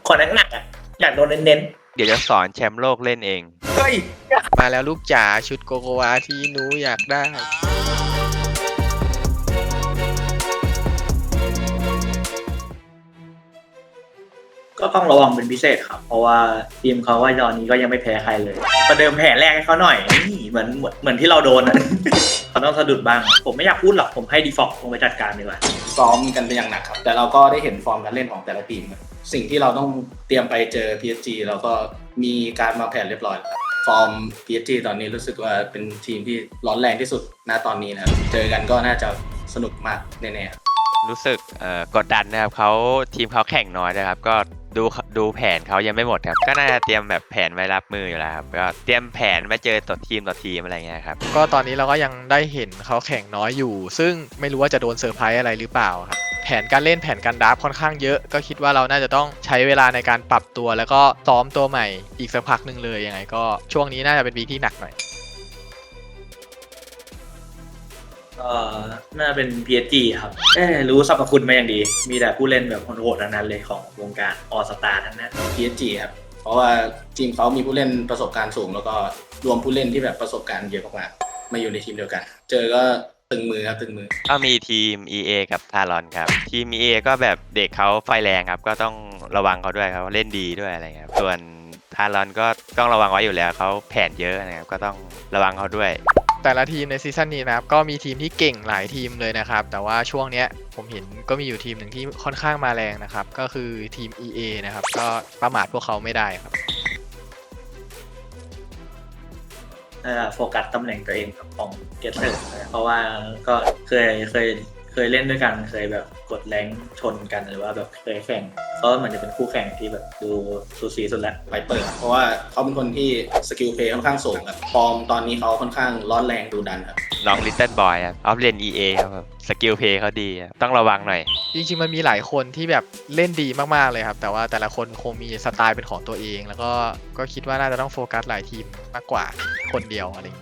ขอหนักๆอ่ะอยากโดนเน้นเดี๋ยวจะสอนแชมป์โลกเล่นเองๆเฮ้ยมาแล้วลูกจ๋าชุดโกโกวาที่หนูอยากได้ก็ต้องระวังเป็นพิเศษครับเพราะว่าทีมเขาว่าตอนนี้ก็ยังไม่แพ้ใครเลยประเดิมแผนแรกให้เขาหน่อยนี่เหมือนที่เราโดนอ่ะ เขาต้องสะดุดบ้างผมไม่อยากพูดหรอกผมให้ดีฟอลต์ลงไปจัดการดีกว่าซ้อมกันเป็นอย่างหนักครับแต่เราก็ได้เห็นฟอร์มการเล่นของแต่ละทีมครับสิ่งที่เราต้องเตรียมไปเจอ PSG เราก็มีการวางแผนเรียบร้อยแล้วครับฟอร์ม PSG ตอนนี้รู้สึกว่าเป็นทีมที่ร้อนแรงที่สุดณตอนนี้นะครับเจอกันก็น่าจะสนุกมากแน่ๆครับรู้สึกกดดันนะครับเขาทีมเขาแข่งน้อยนะครับก็ดูแผนเขายังไม่หมดครับก็น่าจะเตรียมแบบแผนไว้รับมืออยู่แล้วครับก็เตรียมแผนมาเจอต่อทีมอะไรเงี้ยครับก็ตอนนี้เราก็ยังได้เห็นเขาแข่งน้อยอยู่ซึ่งไม่รู้ว่าจะโดนเซอร์ไพรส์อะไรหรือเปล่าครับแผนการเล่นแผนการดราฟค่อนข้างเยอะก็คิดว่าเราน่าจะต้องใช้เวลาในการปรับตัวแล้วก็ซ้อมตัวใหม่อีกสักพักหนึ่งเลยยังไงก็ช่วงนี้น่าจะเป็นวีคที่หนักหน่อยก็น่าเป็น PSG ครับรู้สรรพคุณมาอย่างดี มีแต่ผู้เล่นแบบโหดๆทั้งนั้นเลยของวงการออสตาทั้งนั้น PSG ครับเพราะว่าทีมเขามีผู้เล่นประสบการณ์สูงแล้วก็รวมผู้เล่นที่แบบประสบการณ์เยอะมากๆมาอยู่ในทีมเดียวกัน เจอก็ตึงมือครับตึงมือก็มีทีม EA กับทารอนครับทีม EA ก็แบบเด็กเขาไฟแรงครับก็ต้องระวังเขาด้วยครับเล่นดีด้วยอะไรเงี้ยส่วนทารอนก็ต้องระวังไว้อยู่แล้วเขาแผนเยอะนะครับก็ต้องระวังเขาด้วยแต่ละทีมในซีซั่นนี้นะครับก็มีทีมที่เก่งหลายทีมเลยนะครับแต่ว่าช่วงเนี้ยผมเห็นก็มีอยู่ทีมหนึ่งที่ค่อนข้างมาแรงนะครับก็คือทีม EA นะครับก็ประมาทพวกเขาไม่ได้ครับโฟกัสตำแหน่งตัวเองของเกสเซอร์เพราะว่าก็เคยเล่นด้วยกันเคยแบบกดแรงชนกันหรือว่าแบบเคยแข่งก็เหมือนจะเป็นคู่แข่งที่แบบดูสูสีสุดแหละไวเปอร์เพราะว่าเขาเป็นคนที่สกิลเพลย์ค่อนข้างสูงครับฟอร์มตอนนี้เขาค่อนข้างร้อนแรงดูดันครับน้องลิตเติ้ลบอยครับออฟเลน EA ครับสกิลเพย์เขาดีต้องระวังหน่อยจริงๆมันมีหลายคนที่แบบเล่นดีมากๆเลยครับแต่ว่าแต่ละคนคงมีสไตล์เป็นของตัวเองแล้วก็คิดว่าน่าจะต้องโฟกัสหลายทีมมากกว่าคนเดียวอะไรอย่างนี้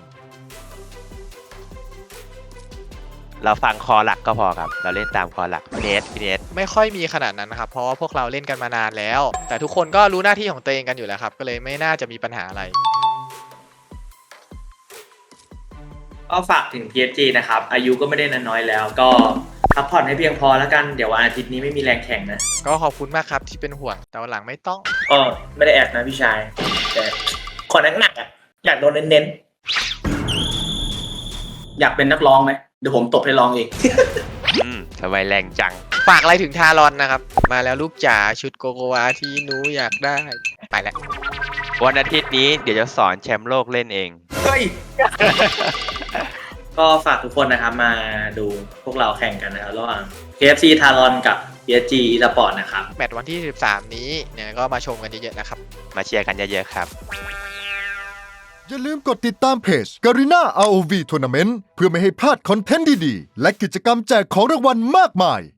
เราฟังคอหลักก็พอครับเราเล่นตามคอหลักพี่เนสไม่ค่อยมีขนาดนั้นนะครับเพราะว่าพวกเราเล่นกันมานานแล้วแต่ทุกคนก็รู้หน้าที่ของตัวเองกันอยู่แล้วครับก็เลยไม่น่าจะมีปัญหาอะไรก็ฝากถึง PSG นะครับอายุก็ไม่ได้น้อยแล้ว ก็พักผ่อนให้เพียงพอแล้วกันเดี๋ยววันอาทิตย์นี้ไม่มีแรงแข่งนะก็ขอบคุณมากครับที่เป็นห่วงแต่วันหลังไม่ต้องก็ไม่ได้แอบนะพี่ชายแต่ขอหนักๆอ่ะอยากโดนเน้นอยากเป็นนักร้องไหมเดี๋ยวผมตบให้ร้องเองทำไมแรงจังฝากอะไรถึงทารอนนะครับมาแล้วลูกจ๋าชุดโกโกวาที่หนูอยากได้ไปแล้ววันอาทิตย์นี้เดี๋ยวจะสอนแชมป์โลกเล่นเองเฮ้ย ก็ฝากทุกคนนะครับมาดูพวกเราแข่งกันนะครับระหว่าง KFC ทารอนกับ PSG Esports นะครับแมตช์วันที่13นี้เนี่ยก็มาชมกันเยอะๆนะครับมาเชียร์กันเยอะๆครับอย่าลืมกดติดตามเพจ Garena ROV Tournament เพื่อไม่ให้พลาดคอนเทนต์ดีๆและกิจกรรมแจกของรางวัลมากมาย